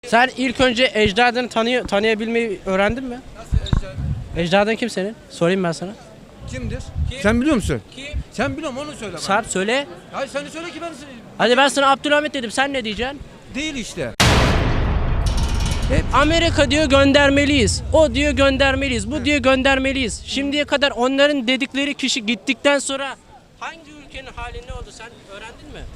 Sen ilk önce ecdadını tanıyabilmeyi öğrendin mi? Nasıl ecdadı? Ecdadın kim senin? Sorayım ben sana. Kimdir? Sen biliyor musun? Kim? Sen biliyor musun onu söyle bana. Sarp söyle. Hayır sen de söyle ki ben Hadi ben sana Abdülhamit dedim. Sen ne diyeceksin? değil işte. Amerika diyor göndermeliyiz. O diyor göndermeliyiz. Bu diyor göndermeliyiz. Şimdiye kadar onların dedikleri kişi gittikten sonra hangi ülkenin hali ne oldu sen öğrendin mi?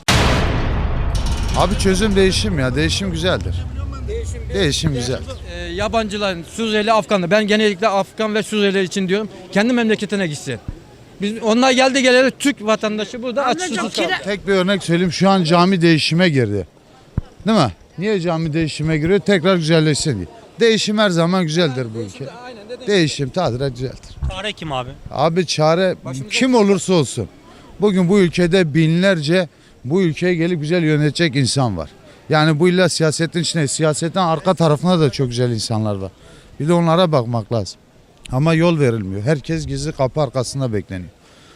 Abi çözüm değişim ya. Değişim güzeldir. Değişim güzel. Yabancılar, Suriyeli, Afganlı. Ben genellikle Afgan ve Suriyeli için diyorum. Kendi memleketine gitsin. Biz onlar geldi geleli Türk vatandaşı burada aç susuz kaldı. Tek bir örnek söyleyeyim. Şu an cami değişime girdi. Değil mi? Niye cami değişime giriyor? Tekrar güzelleşsin diye. Değişim her zaman güzeldir bu ülke. Değişim tadilat güzeldir. Çare kim abi? Abi çare kim olursa olsun. Bugün bu ülkede binlerce bu ülkeye gelip güzel yönetecek insan var. Yani bu illa siyasetin içinde, siyasetin arka tarafında da çok güzel insanlar var. Bir de onlara bakmak lazım. Ama yol verilmiyor. Herkes gizli kapı arkasında bekleniyor.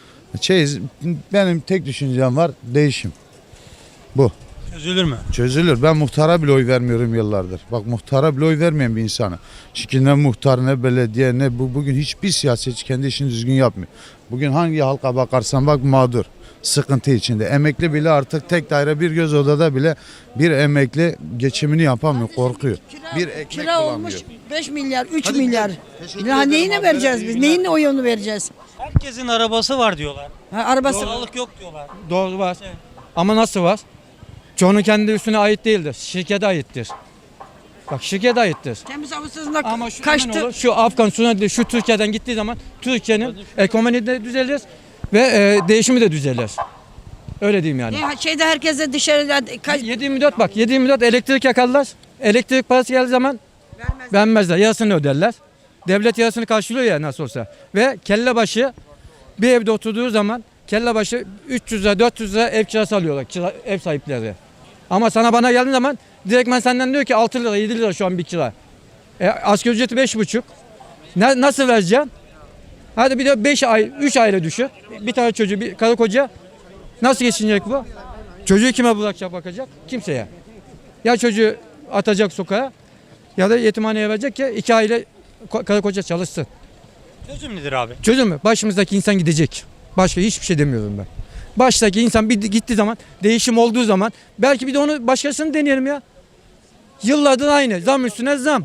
Benim tek düşüncem var, değişim. Bu. Çözülür mü? Çözülür. Ben muhtara bile oy vermiyorum yıllardır. Bak muhtara bile oy vermeyen bir insanım. Çünkü ne muhtar ne belediye ne bugün hiçbir siyasetçi kendi işini düzgün yapmıyor. Bugün hangi halka bakarsan bak mağdur. Sıkıntı içinde. Emekli bile artık tek daire bir göz odada bile bir emekli geçimini yapamıyor. Korkuyor. Bir ekmek Kira olmuş bulamıyor. 5 milyar, 3 Hadi milyar. gidelim. Teşekkür Ya ederim neyine abi. vereceğiz biz? Neyin oyunu vereceğiz? Herkesin arabası var diyorlar. Ha, arabası Doğallık yok diyorlar. Doğru var. Ama nasıl var? Çoğunun kendi üstüne ait değildir. Şirkete aittir. Bak şirkete aittir. temiz havasızlık Ama şu kaçtı. olur, şu Afgan, Suriyeli, şu Türkiye'den gittiği zaman Türkiye'nin ekonomi de düzelir ve değişimi de düzelir. Öyle diyeyim yani. Şeyde herkese dışarıda kaç 7/24 bak 7/24 elektrik yakarlar. Elektrik parası geldiği zaman vermezler. Yarısını öderler. Devlet yarısını karşılıyor ya nasıl olsa. Ve kelle başı bir evde oturduğu zaman kelle başı 300 lira 400 lira ev kirası alıyorlar ev sahipleri. Ama sana bana geldiği zaman direktmen senden diyor ki 6 lira 7 lira şu an bir kira. Asgari ücreti 5,5. Nasıl vereceksin? Hadi bir de 5 ay 3 aile düşün. Bir tane çocuğu bir karı koca nasıl geçinecek bu? Çocuğu kime bırakacak bakacak? Kimseye. Ya çocuğu atacak sokağa ya da yetimhaneye verecek ki 2 aile karı koca çalışsın. Çözüm nedir abi? Çözüm mü? Başımızdaki insan gidecek. Başka hiçbir şey demiyorum ben. Baştaki insan bir gittiği zaman, değişim olduğu zaman belki bir de onu başkasını deneyelim ya. Yıllardır aynı. Zam üstüne zam.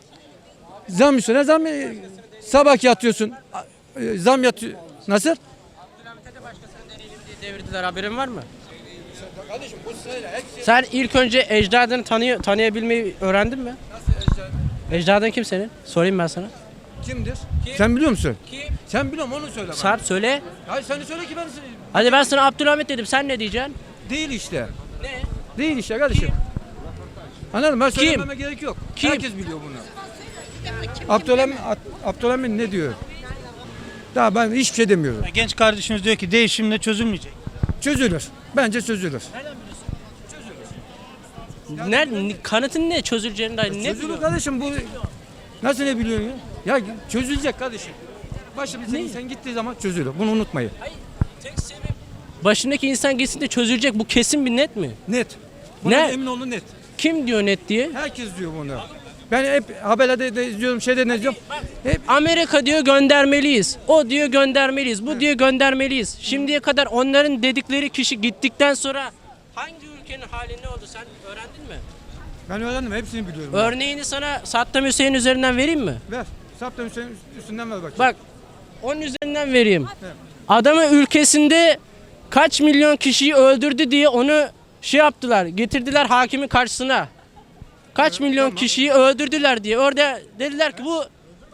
Zam üstüne zam. Sabah yatıyorsun. Zam yatıyor. Nasıl? Abdülhamit'e de başkasının deneyelim diye devirdiler haberin var mı? Sen ilk önce ecdadını tanıyabilmeyi öğrendin mi? Nasıl ecdadı? Ecdadın kim senin? Sorayım ben sana. Kimdir? Sen biliyor musun? Kim? Sen biliyor musun onu söyle bana. Sarp söyle. Hayır sen de söyle ki ben Hadi ben sana Abdülhamit dedim. Sen ne diyeceksin? değil işte. Ne? Değil işte kardeşim. Anladın mı? Ben Kim? söylememe gerek yok. Kim? Herkes biliyor bunu. Abdülhamit ne diyor? Daha ben hiçbir şey demiyorum. Genç kardeşimiz diyor ki değişimle çözülmeyecek. Çözülür. Bence çözülür. Kanıtın ne? Çözüleceğini dair ne Çözülür biliyorsun? kardeşim bu. Nasıl ne biliyorsun ya? Ya çözülecek kardeşim. Başımıza insan gittiği zaman çözülür. Bunu unutmayın. Tek sebep başındaki insan gitsin de çözülecek. Bu kesin bir net mi? Net. Buna Ne? emin olun net. Kim diyor net diye? Herkes diyor bunu. Ben hep haberlerde de izliyorum, şeyde de izliyorum. Hep Amerika diyor göndermeliyiz. O diyor göndermeliyiz. Bu diyor göndermeliyiz. Şimdiye kadar onların dedikleri kişi gittikten sonra hangi ülkenin hali ne oldu sen öğrendin mi? ben öğrendim, hepsini biliyorum. Örneğini sana Saddam Hüseyin üzerinden vereyim mi? Ver. Saptan üstünden ver bakayım. Bak onun üzerinden vereyim. Adamı ülkesinde kaç milyon kişiyi öldürdü diye onu şey yaptılar. Getirdiler hakimin karşısına. Kaç milyon kişiyi öldürdüler diye. Orada dediler ki bu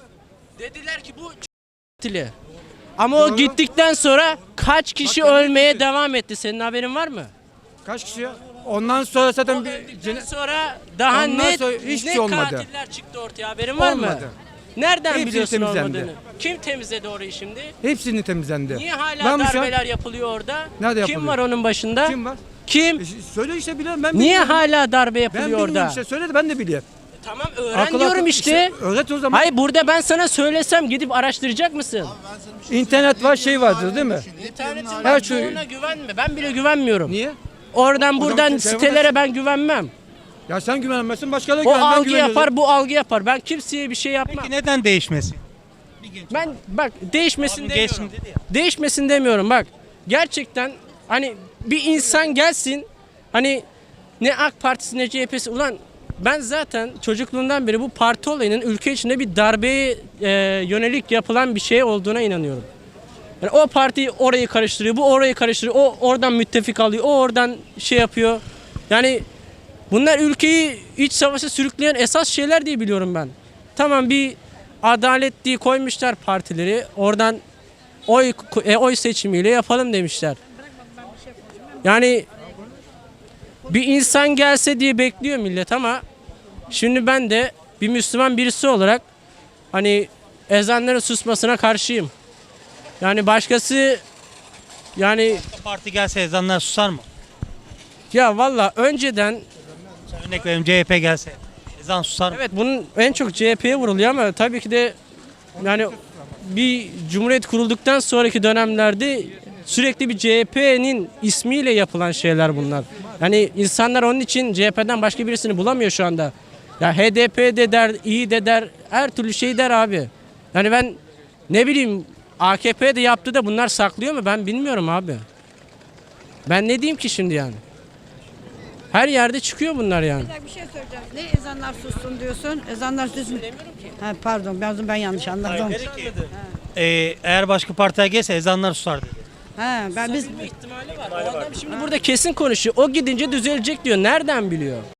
katili. Ama o gittikten sonra kaç kişi ölmeye devam etti. Senin haberin var mı? Kaç kişi ya? Ondan sonra zaten bir Öldükten sonra daha Ondan net sonra hiçbir net şey olmadı. katiller çıktı ortaya. Haberin var mı? Olmadı. Nereden Hepsi biliyorsun temizlendi. olmadığını? Kim temizledi orayı şimdi? hepsini temizlendi. Niye hala Ben bu şu an- darbeler yapılıyor orada? Nerede Kim yapılıyor? var onun başında? Kim var? Kim? Söyle işte biliyorum ben Niye bilmiyorum. hala darbe Ben yapılıyor bilmiyorum orada? işte söyle de ben de biliyorum. Tamam öğren Akıl diyorum akıl- işte. Öğret o zaman. Hayır burada ben sana söylesem gidip araştıracak mısın? İnternet var şey vardır değil mi? İnternetin Her şey- çoğuna güvenme. Ben bile güvenmiyorum. Niye? Oradan zaman buradan telefon sitelere ben güvenmem. Ya sen güvenmezsin, başkaları O güven. Ben algı güveniyorum. yapar, bu algı yapar. Ben kimseye bir şey yapmam. Peki neden değişmesin? Ben bak değişmesin Abim demiyorum. gençsin dedi ya. Değişmesin demiyorum bak. Gerçekten hani bir insan gelsin hani ne AK Partisi ne CHP'si ulan ben zaten çocukluğumdan beri bu parti olayının ülke içinde bir darbeye yönelik yapılan bir şey olduğuna inanıyorum. Yani o parti orayı karıştırıyor, bu orayı karıştırıyor, o oradan müttefik alıyor, o oradan şey yapıyor. Yani bunlar ülkeyi iç savaşa sürükleyen esas şeyler diye biliyorum ben. Tamam bir adalet diye koymuşlar partileri. Oradan oy seçimiyle yapalım demişler. Yani bir insan gelse diye bekliyor millet ama şimdi ben de bir Müslüman birisi olarak hani ezanların susmasına karşıyım. Yani başkası yani Parti gelse ezanlar susar mı? ya valla önceden Örnek veriyorum CHP gelse ezan susar mı? evet bunun en çok CHP'ye vuruluyor ama tabii ki de yani bir cumhuriyet kurulduktan sonraki dönemlerde sürekli bir CHP'nin ismiyle yapılan şeyler bunlar. Yani insanlar onun için CHP'den başka birisini bulamıyor şu anda. Ya HDP de der, İyi de der, her türlü şey der abi. Yani ben ne bileyim AKP de yaptı da bunlar saklıyor mu ben bilmiyorum abi. Ben ne diyeyim ki şimdi yani? Her yerde çıkıyor bunlar yani. Bir şey söyleyeceğim. Ne ezanlar sussun diyorsun? Ezanlar sussun. Ha, pardon ben yanlış anladım. Dedi ki, eğer başka partiler gelse ezanlar susar dedi. Ha, biz İhtimali var. O adam şimdi burada kesin konuşuyor. O gidince düzelecek diyor. Nereden biliyor?